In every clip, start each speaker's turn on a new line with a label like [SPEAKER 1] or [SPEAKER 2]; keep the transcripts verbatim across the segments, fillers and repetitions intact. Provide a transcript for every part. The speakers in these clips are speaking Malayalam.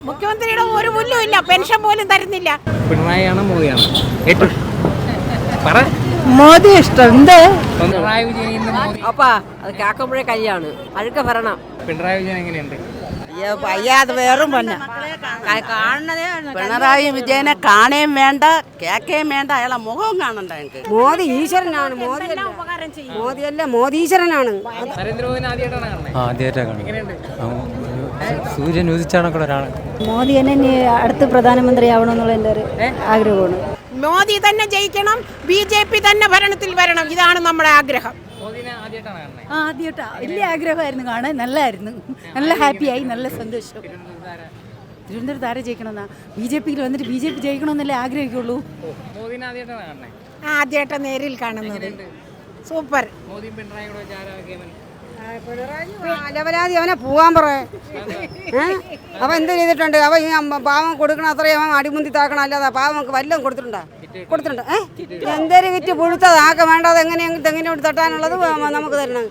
[SPEAKER 1] മുഖ്യമന്ത്രിയുടെ ഒരു പുല്ലും ഇല്ല, പെൻഷൻ പോലും തരുന്നില്ല.
[SPEAKER 2] പിണറായിയാണോ മോദിയാണോ ഏറ്റവും പറ?
[SPEAKER 3] മോദി ഇഷ്ടം. എന്ത്
[SPEAKER 2] പിണറായി വിജയൻ മോദി
[SPEAKER 3] അപ്പാ അത് കേൾക്കുമ്പോഴേ കല്യാണ് അഴുക്ക പറയണം.
[SPEAKER 2] പിണറായി വിജയൻ എങ്ങനെയുണ്ട്?
[SPEAKER 3] അയ്യാത് വേറും പന്ന കാണണതേ. പിണറായി വിജയനെ കാണുകയും വേണ്ട കേൾക്കുകയും വേണ്ട, അയാളെ മുഖവും കാണണ്ട. എനിക്ക്
[SPEAKER 1] മോദി ഈശ്വരനാണ്. മോദി മോദിയല്ല, മോദി ഈശ്വരനാണ്.
[SPEAKER 2] നരേന്ദ്രമോദിനെ ആദ്യമായിട്ടാണ് കാണുന്നത്?
[SPEAKER 4] ആദ്യമായിട്ടാണ്.
[SPEAKER 2] എങ്ങനെയുണ്ട്?
[SPEAKER 4] സൂര്യൻ ഉദിച്ചാണൊക്കെ ഒരാൾ.
[SPEAKER 5] മോദി തന്നെ അടുത്ത് പ്രധാനമന്ത്രി ആവണമെന്നുള്ള എൻ്റെ ഒരു ആഗ്രഹമാണ്.
[SPEAKER 1] മോദി തന്നെ ജയിക്കണം, ബി ജെ പി തന്നെ ഭരണത്തിൽ വരണം, ഇതാണ് നമ്മുടെ ആഗ്രഹം.
[SPEAKER 2] മോദിനെ ആദ്യമായിട്ടാണ് കാണുന്നത്?
[SPEAKER 5] ആ ആദ്യമായിട്ടാ. വലിയ ആഗ്രഹമായിരുന്നു കാണാൻ. നല്ലായിരുന്നു, നല്ല ഹാപ്പിയായി, നല്ല സന്തോഷം. തിരുവനന്തപുരത്ത് ആരെ ജയിക്കണമെന്നാ? ബി ജെ പിയിൽ വന്നിട്ട് ബി ജെ പി ജയിക്കണമെന്നല്ലേ ആഗ്രഹിക്കുള്ളൂ.
[SPEAKER 2] മോദിനെ ആദ്യമായിട്ടാണ് കാണുന്നത്?
[SPEAKER 1] ആദ്യമായിട്ട് നേരിൽ കാണുന്നത്. സൂപ്പർ.
[SPEAKER 2] മോദിയും പിണറായി കൂടെ വെച്ച് ആരാ കേമൻ?
[SPEAKER 6] അലവലാതി അവനെ പോവാൻ പറ. അവൻ എന്ത് ചെയ്തിട്ടുണ്ട്? അവൻ ഈ പാവം കൊടുക്കണം അത്രയും അവൻ അടിമുന്തി താക്കണം, അല്ലാതെ പാവങ്ങൾക്ക് വല്ലതും കൊടുത്തിട്ടുണ്ടോ? കൊടുത്തിട്ടുണ്ട്. ഏഹ് എന്തേലും വിറ്റ് പുഴുത്തത് ആക്ക വേണ്ടത് എങ്ങനെയെങ്കിലും തെങ്ങിനോട് തട്ടാനുള്ളത് നമുക്ക് തരണം.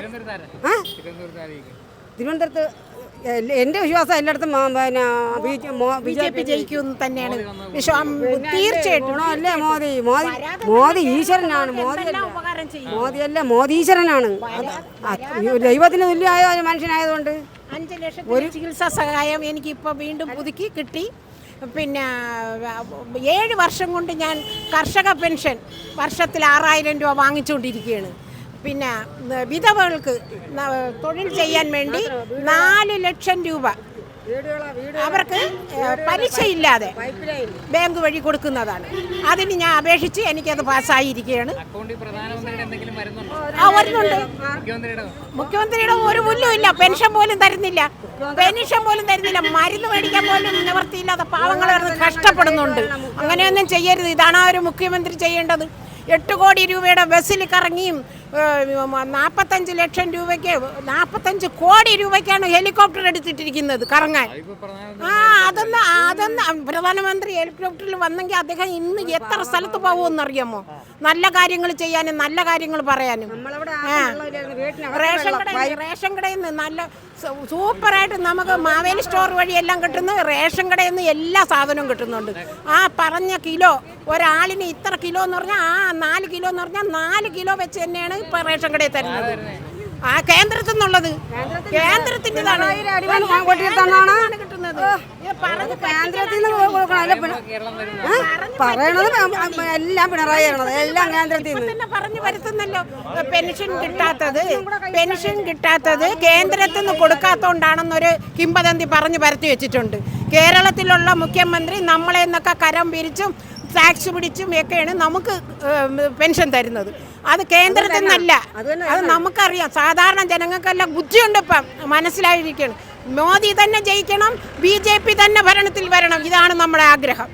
[SPEAKER 6] തിരുവനന്തപുരത്ത് എൻ്റെ വിശ്വാസം എല്ലായിടത്തും
[SPEAKER 1] ബി ജെ പി ജയിക്കും തന്നെയാണ് തീർച്ചയായിട്ടും.
[SPEAKER 6] അല്ലേ മോദി മോദി മോദി ഈശ്വരനാണ്. മോദി മോദിയല്ല, മോദി ഈശ്വരനാണ്. ദൈവത്തിന് തുല്യമായ ഒരു മനുഷ്യനായതുകൊണ്ട്
[SPEAKER 1] അഞ്ച് ലക്ഷം ഒരു ചികിത്സാ സഹായം എനിക്ക് ഇപ്പോൾ വീണ്ടും പുതുക്കി കിട്ടി. പിന്നെ ഏഴ് വർഷം കൊണ്ട് ഞാൻ കർഷക പെൻഷൻ വർഷത്തിൽ ആറായിരം രൂപ വാങ്ങിച്ചുകൊണ്ടിരിക്കുകയാണ്. പിന്നെ വിധവകൾക്ക് തൊഴിൽ ചെയ്യാൻ വേണ്ടി നാല് ലക്ഷം രൂപ അവർക്ക് പലിശയില്ലാതെ ബാങ്ക് വഴി കൊടുക്കുന്നതാണ്. അതിന് ഞാൻ അപേക്ഷിച്ച് എനിക്കത് പാസ്സായിരിക്കുകയാണ്. ആ വരുന്നുണ്ട്. മുഖ്യമന്ത്രിയുടെ ഒരു പുല്ലും ഇല്ല, പെൻഷൻ പോലും തരുന്നില്ല, പെൻഷൻ പോലും തരുന്നില്ല. മരുന്ന് മേടിക്കാൻ പോലും നിവർത്തിയില്ലാതെ പാവങ്ങൾ കഷ്ടപ്പെടുന്നുണ്ട്. അങ്ങനെയൊന്നും ചെയ്യരുത്. ഇതാണ് ഒരു മുഖ്യമന്ത്രി ചെയ്യേണ്ടത്. എട്ട് കോടി രൂപയുടെ ബസ്സിൽ കറങ്ങിയും നാൽപ്പത്തഞ്ച് ലക്ഷം രൂപയ്ക്ക് നാൽപ്പത്തഞ്ച് കോടി രൂപയ്ക്കാണ് ഹെലികോപ്റ്റർ എടുത്തിട്ടിരിക്കുന്നത് കറങ്ങാൻ. ആ അതൊന്ന് അതൊന്ന് പ്രധാനമന്ത്രി ഹെലികോപ്റ്ററിൽ വന്നെങ്കിൽ അദ്ദേഹം ഇന്ന് എത്ര സ്ഥലത്ത് പോകുമെന്നറിയാമോ? നല്ല കാര്യങ്ങൾ ചെയ്യാനും നല്ല കാര്യങ്ങൾ പറയാനും. റേഷൻ കട റേഷൻ കടയിൽ നിന്ന് നല്ല സൂപ്പറായിട്ട് നമുക്ക് മാവേലി സ്റ്റോർ വഴിയെല്ലാം കിട്ടുന്നു. റേഷൻ കടയിൽ നിന്ന് എല്ലാ സാധനവും കിട്ടുന്നുണ്ട്. ആ പറഞ്ഞ കിലോ ഒരാളിന് ഇത്ര കിലോ എന്ന് പറഞ്ഞാൽ ആ നാല് കിലോ എന്ന് പറഞ്ഞാൽ നാല് കിലോ വെച്ച് തന്നെയാണ് ഇപ്പൊ റേഷൻ കടയിൽ തരുന്നത്. ആ കേന്ദ്രത്തിൽ നിന്നുള്ളത് കേന്ദ്രത്തിൻ്റെതാണ് കിട്ടുന്നത്.
[SPEAKER 6] പറയണത് എല്ലാം പിണറായി എല്ലാം കേന്ദ്രത്തിൽ
[SPEAKER 1] തന്നെ പറഞ്ഞു വരുത്തുന്നല്ലോ. പെൻഷൻ കിട്ടാത്തത് പെൻഷൻ കിട്ടാത്തത് കേന്ദ്രത്തിൽ നിന്ന് കൊടുക്കാത്തതുകൊണ്ടാണെന്നൊരു കിംവദന്തി പറഞ്ഞു പരത്തി വെച്ചിട്ടുണ്ട്. കേരളത്തിലുള്ള മുഖ്യമന്ത്രി നമ്മളെ നിന്നൊക്കെ കരം പിരിച്ചും ടാക്സ് പിടിച്ചും ഒക്കെയാണ് നമുക്ക് പെൻഷൻ തരുന്നത്. അത് കേന്ദ്രത്തിൽ നിന്നല്ല, അത് നമുക്കറിയാം. സാധാരണ ജനങ്ങൾക്കെല്ലാം ബുദ്ധിയുണ്ട്, ഇപ്പം മനസ്സിലായിരിക്കണം. മോദി തന്നെ ജയിക്കണം, ബി ജെ പി തന്നെ ഭരണത്തിൽ വരണം, ഇതാണ് നമ്മുടെ ആഗ്രഹം.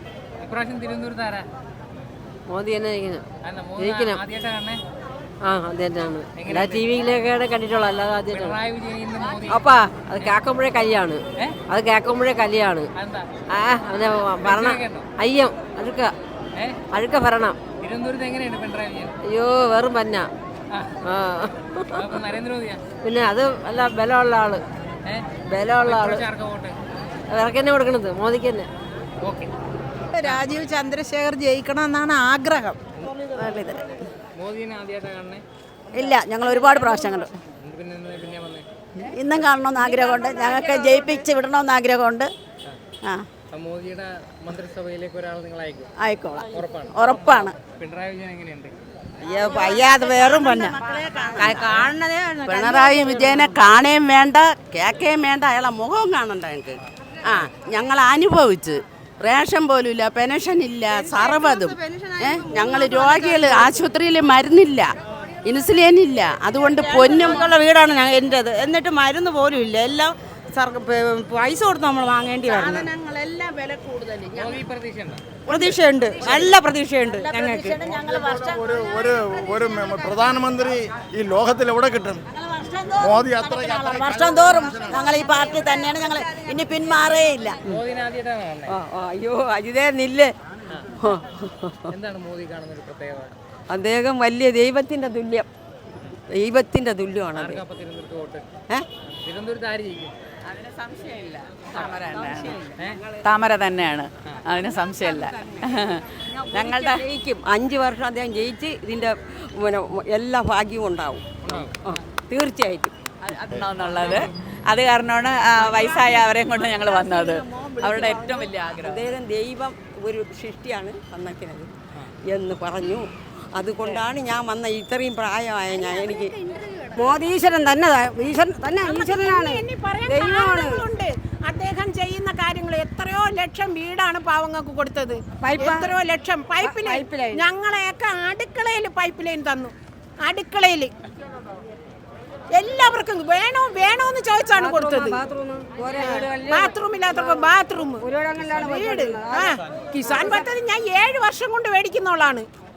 [SPEAKER 3] മോദി തന്നെ ജയിക്കണം. ആ ആദ്യമായിട്ടാണ്. എല്ലാ ടി വിയിലൊക്കെ കണ്ടിട്ടുള്ളൂ, അല്ലാതെ ആദ്യമായിട്ടാണ്. അപ്പാ അത് കേൾക്കുമ്പോഴേ കല്യാണ് അത് കേൾക്കുമ്പോഴേ കല്യാണ്. ആ അവനെ ഭരണം അയ്യം അഴുക്ക അഴുക്ക ഭരണം. അയ്യോ വെറും പന്ന. ആ പിന്നെ അത് അല്ല ബലമുള്ള ആള്, ബലമുള്ള ആള് ഇവർക്ക് തന്നെ കൊടുക്കണത്, മോദിക്ക് തന്നെ.
[SPEAKER 6] രാജീവ് ചന്ദ്രശേഖർ ജയിക്കണം എന്നാണ് ആഗ്രഹം.
[SPEAKER 5] ഇല്ല, ഞങ്ങൾ ഒരുപാട് പ്രാവശ്യം കണ്ടു. ഇന്നും കാണണമെന്ന് ആഗ്രഹമുണ്ട്. ഞങ്ങൾക്ക് ജയിപ്പിച്ച് വിടണമെന്ന് ആഗ്രഹമുണ്ട്. ആ
[SPEAKER 2] മോദിയുടെ മന്ത്രിസഭയിലേക്ക് ഒരാൾ നിങ്ങൾ അയക്കും?
[SPEAKER 5] ആയിക്കോളാം,
[SPEAKER 2] ഉറപ്പാണ്.
[SPEAKER 5] ഉറപ്പാണ്.
[SPEAKER 2] പിണറായി വിജയൻ എങ്ങനെയുണ്ട്?
[SPEAKER 3] അയ്യാത് വേറും പന്ന കാണണതേ. പിണറായി വിജയനെ കാണുകയും വേണ്ട കേൾക്കുകയും വേണ്ട, അയാളെ മുഖവും കാണണ്ട. എനിക്ക് ആ ഞങ്ങൾ അനുഭവിച്ച് റേഷൻ പോലും ഇല്ല, പെൻഷൻ ഇല്ല, സർവ്വതും. ഏഹ് ഞങ്ങൾ രോഗികൾ ആശുപത്രിയിൽ മരുന്നില്ല, ഇൻസുലിൻ ഇല്ല. അതുകൊണ്ട് പൊന്നും ഉള്ള വീടാണ് ഞങ്ങൾ എൻ്റെത്. എന്നിട്ട് മരുന്ന് പോലും ഇല്ല, എല്ലാം പൈസ കൊടുത്ത് നമ്മൾ വാങ്ങേണ്ടി വരുന്നത്. പ്രതീക്ഷയുണ്ട്, നല്ല പ്രതീക്ഷയുണ്ട് ഞങ്ങൾക്ക്.
[SPEAKER 7] ഒരു ഒരു ഒരു പ്രധാനമന്ത്രി ഈ ലോകത്തിൽ എവിടെ കിട്ടും? മോദി അത്ര
[SPEAKER 5] വർഷം തോറും ഞങ്ങൾ ഈ പാർട്ടി തന്നെയാണ്, ഞങ്ങൾ ഇനി പിന്മാറേയില്ല.
[SPEAKER 3] അയ്യോ അജിതേ നില്ല്.
[SPEAKER 2] എന്താണ് മോദി കാണുന്ന ഒരു പ്രത്യേകത?
[SPEAKER 3] അദ്ദേഹം വലിയ ദൈവത്തിന്റെ തുല്യം, ദൈവത്തിന്റെ തുല്യമാണ്.
[SPEAKER 2] തിരുവനന്തപുരത്ത് ആര് ജയിക്കും?
[SPEAKER 8] അതിന് സംശയമില്ല താമര തന്നെയാണ് താമര തന്നെയാണ് അതിന് സംശയമില്ല ഞങ്ങളുടെ
[SPEAKER 9] ജയിക്കും അഞ്ച് വർഷം അദ്ദേഹം ജയിച്ച് ഇതിൻ്റെ പിന്നെ എല്ലാ ഭാഗ്യവും ഉണ്ടാവും ആ, തീർച്ചയായിട്ടും
[SPEAKER 8] അതുണ്ടാവുന്നുള്ളത് അത് കാരണമാണ് ആ, വയസ്സായ അവരെയും കൊണ്ട് ഞങ്ങൾ വന്നത് അവരുടെ ഏറ്റവും വലിയ ആഗ്രഹം
[SPEAKER 9] അദ്ദേഹം ദൈവം ഒരു സൃഷ്ടിയാണ് തന്നേക്കുന്നത് എന്ന് പറഞ്ഞു. അതുകൊണ്ടാണ് ഞാൻ വന്ന ഇത്രയും പ്രായമായ ഞാൻ എനിക്ക്
[SPEAKER 6] മോദീശ്വരൻ തന്നെ ഈശ്വരൻ തന്നെ ഈശ്വരനാണ്
[SPEAKER 1] ഇനി പറയാൻ
[SPEAKER 6] ദൈവമാണ്.
[SPEAKER 1] കാരണങ്ങളുണ്ട്. അദ്ദേഹം ചെയ്യുന്ന കാര്യങ്ങൾ എത്രയോ ലക്ഷം വീടാണ് പാവങ്ങൾക്ക് കൊടുത്തത്. എത്രയോ ലക്ഷം പൈപ്പ് ലൈൻ ഞങ്ങളെയൊക്കെ അടുക്കളയിൽ പൈപ്പ് ലൈൻ തന്നു. അടുക്കളയിൽ എല്ലാവർക്കും വേണോ വേണോന്ന് ചോദിച്ചാണ് കൊടുത്തത്. ബാത്റൂം ഇല്ലാത്തവർക്ക് ബാത്റൂം വീട്. ആ കിസാൻ പദ്ധതി ഞാൻ ഏഴ് വർഷം കൊണ്ട് മേടിക്കുന്നോളാണ്.